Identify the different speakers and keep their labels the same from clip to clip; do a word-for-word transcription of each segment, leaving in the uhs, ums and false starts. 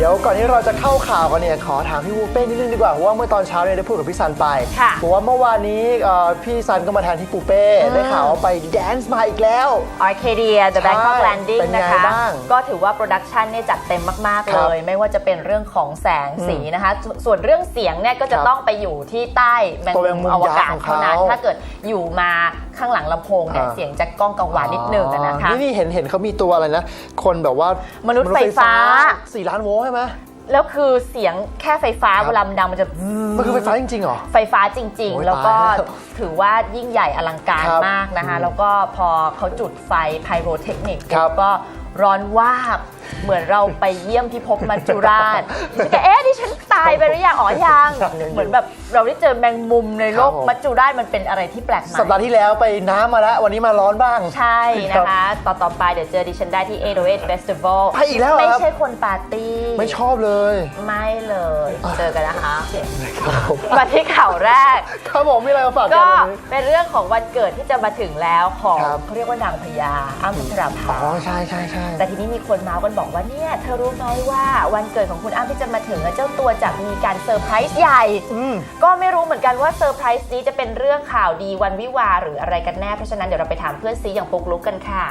Speaker 1: ยวก่อนที่เราจะเข้าข่าวกันเนี่ยขอถามพี่วูเป้นิดนึงดีกว่าเพราะว่าเมื่อตอนเช้าเนี่ยได้พูดกับพี่ซันไปบอกว่าเมื่อวานนี้พี่ซันก็มาแทนที่ปูเป้ได้ข่าวว่าไปแดนซ์มาอีกแล้ว
Speaker 2: Arcadia The Bangkok Landing นะคะก็ถือว่าโปรดักชันเนี่ยจัดเต็มมากๆเลยไม่ว่าจะเป็นเรื่องของแสงสีนะคะส่วนเรื่องเสียงเนี่ยก็จะต้องไปอยู่ที่ใต้แมงมุมอวกาศเท่านั้นถ้าเกิดอยู่มาข้างหลังลำโพงเนี่ยเสียงจะก้องกังวานนิดนึงนะคะ
Speaker 1: นี่เห็นเห็นเขามีตัวอะไรนะคนแบบว่าม
Speaker 2: นุษย์ไฟฟ้า
Speaker 1: สี่ล้านโวลต์ใช่ไหม
Speaker 2: แล้วคือเสียงแค่ไฟฟ้าเวลามันดังมันจะ
Speaker 1: มันคือไฟฟ้าจริงๆเหรอ
Speaker 2: ไฟฟ้าจริงๆแล้วก็ถือว่ายิ่งใหญ่อลังการมากนะคะแล้วก็พอเขาจุดไฟไพโรเทคนิคก็ร้อนวาบเหมือนเราไปเยี่ยมพิภพมัจจุราชฉันก็เอ๊ะที่ฉันตายไปหรือยังอ๋อยังเหมือนแบบเราได้เจอแมงมุมในโลกมัจจุราชมันเป็นอะไรที่แปลกใหม่
Speaker 1: สัปดาห์ที่แล้วไปน้ำมาแล้ววันนี้มาร้อนบ้าง
Speaker 2: ใช่นะคะต่อต่อไปเดี๋ยวเจอดิฉันได้ที่ เอ โอ เอช Festival
Speaker 1: ไปอีกแล้ว
Speaker 2: ไม่ใช่คนปาร์ตี้
Speaker 1: ไม่ชอบเลย
Speaker 2: ไม่เลยเจอกันนะคะมาที่ข่าวแรก
Speaker 1: ครับผมมีอะไรมาฝากกัน
Speaker 2: ก็เป็นเรื่องของวันเกิดที่จะมาถึงแล้วของเขาเรียกว่านางพญาอ้ำพัชราภา
Speaker 1: อ๋อใช่ใช่ใช่
Speaker 2: แต่ทีนี้มีคนเมาส์กันบอกว่าเนี่ยเธอรู้ไหมว่าวันเกิดของคุณอ้ำที่จะมาถึงเจ้าตัวจะมีการเซอร์ไพรส์ใหญ่ก็ไม่รู้เหมือนกันว่าเซอร์ไพรส์นี้จะเป็นเรื่องข่าวดีวันวิวาหรืออะไรกันแน่เพราะฉะนั้นเดี๋ยวเราไปถามเพื่อนซีอย่างปุ๊กลุกกันค่ะ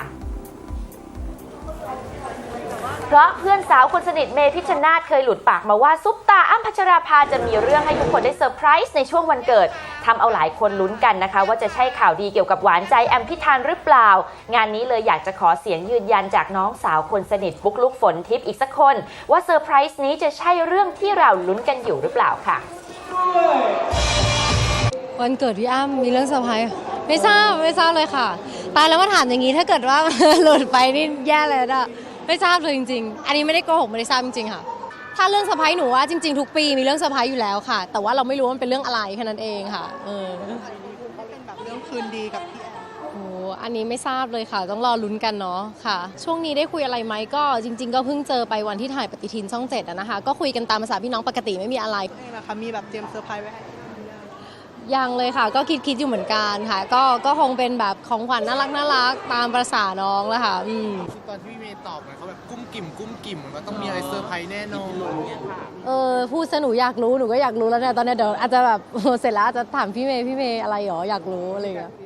Speaker 2: เพราะเพื่อนสาวคนสนิทเมย์พิชชนาธิ์เคยหลุดปากมาว่าซุปตาอ้ำพัชราภาจะมีเรื่องให้ทุกคนได้เซอร์ไพรส์ในช่วงวันเกิดทำเอาหลายคนลุ้นกันนะคะว่าจะใช่ข่าวดีเกี่ยวกับหวานใจแอมพิธานหรือเปล่างานนี้เลยอยากจะขอเสียงยืนยันจากน้องสาวคนสนิทปุ๊กลุกฝนทิพย์อีกสักคนว่าเซอร์ไพรส์นี้จะใช่เรื่องที่เราลุ้นกันอยู่หรือเปล่าค่ะ
Speaker 3: วันเกิดพี่อ้ำมีเรื่องเซอร์ไพรส์ไม่ทราบไม่ทราบเลยค่ะตายแล้วมาถามอย่างนี้ถ้าเกิดว่าหลุดไปนี่แย่เลยนะไม่ทราบเลยจริงๆอันนี้ไม่ได้โกหกไม่ได้ทราบจริงๆค่ะถ้าเรื่องเซอร์ไพรส์หนูว่าจริงๆทุกปีมีเรื่องเซอร์ไพรส์อยู่แล้วค่ะแต่ว่าเราไม่รู้ว่ามันเป็นเรื่องอะไรแค่นั้นเองค่ะเออ
Speaker 4: เป็นแบบเรื่องคืนดีกับพี่แอม
Speaker 3: โอ้อันนี้ไม่ทราบเลยค่ะต้องรอลุ้นกันเนาะค่ะช่วงนี้ได้คุยอะไรไหมก็จริงๆก็เพิ่งเจอไปวันที่ถ่ายปฏิทินช่องเจ็ดนะคะก็คุยกันตามภาษาพี่น้องปกติไม่มีอะไร
Speaker 4: นี่แหละค่ะมีแบบเตรียมเซอร์ไพรส์ไว้ให้
Speaker 3: ยังเลยค่ะก็คิดคิดอยู่เหมือนกันค่ะก็ก็คงเป็นแบบของขวัญน่ารักน่ารักตามประสาน้องแล้วค่ะอืม
Speaker 5: ตอนที่พี่เมย์ตอบเขาแบบกุ้มกิ่มกุ้มกิ่มมันต้องมีอะไรเซอร์ไพรส์แน่นอน
Speaker 3: เออพูดซะหนูอยากรู้หนูก็อยากรู้แล้วเนี่ยตอนนี้เดี๋ยวอาจจะแบบเสร็จแล้วอาจจะถามพี่เมย์พี่เมย์อะไรหรออยากรู้อะไรอย่างเงี้ย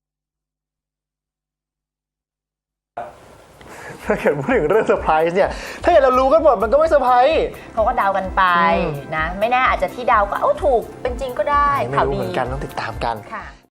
Speaker 1: ถ้าเกิดพูดถึงเรื่องเซอร์ไพรส์เนี่ยถ้าเกิดเรารู้กันหมดมันก็ไม่เซอร์ไพรส์
Speaker 2: เขาก็เดากันไปนะไม่แน่อาจจะที่เดาก็เอ้าถูกเป็นจริงก็ได้
Speaker 1: ไม่รู้เหมือนกันต้องติดตามกัน